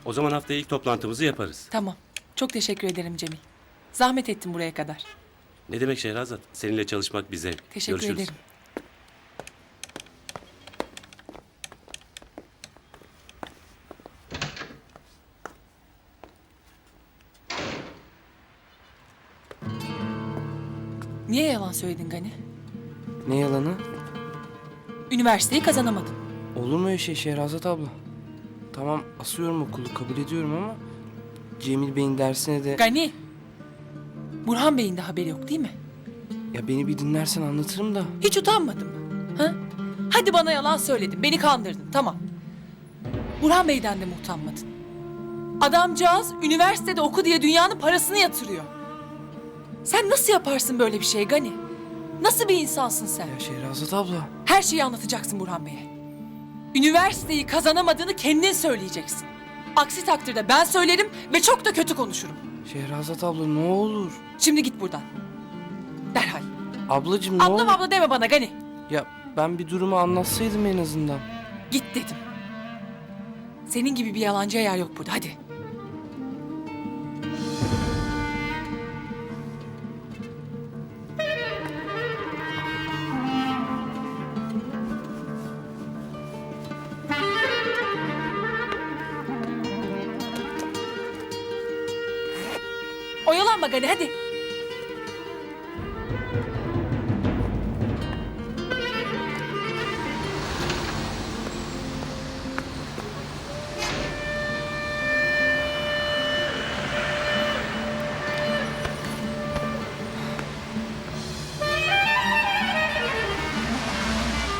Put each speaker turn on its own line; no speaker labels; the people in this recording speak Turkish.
O zaman haftaya ilk toplantımızı yaparız.
Tamam. Çok teşekkür ederim Cemil. Zahmet ettin buraya kadar.
Ne demek Şehrazat? Seninle çalışmak bir zevk.
Teşekkür
Görüşürüz.
ederim. Niye yalan söyledin Gani?
Ne yalanı?
Üniversiteyi kazanamadın.
Olur mu öyle şey Şehrazat abla? Tamam asıyorum okulu kabul ediyorum ama Cemil Bey'in dersine de...
Gani! Burhan Bey'in de haberi yok değil mi?
Ya beni bir dinlersen anlatırım da.
Hiç utanmadın mı? Ha? Hadi bana yalan söyledin, beni kandırdın, tamam. Burhan Bey'den de mi utanmadın? Adamcağız üniversitede oku diye dünyanın parasını yatırıyor. Sen nasıl yaparsın böyle bir şey Gani? Nasıl bir insansın sen?
Ya Şehrazat abla.
Her şeyi anlatacaksın Burhan Bey'e. Üniversiteyi kazanamadığını kendin söyleyeceksin. Aksi takdirde ben söylerim ve çok da kötü konuşurum.
Şehrazat abla ne olur.
Şimdi git buradan. Derhal.
Ablacığım ne
Ablam
olur.
abla deme bana Gani.
Ya ben bir durumu anlatsaydım en azından.
Git dedim. Senin gibi bir yalancıya yer yok burada, hadi. Oyalanma Gani, hadi.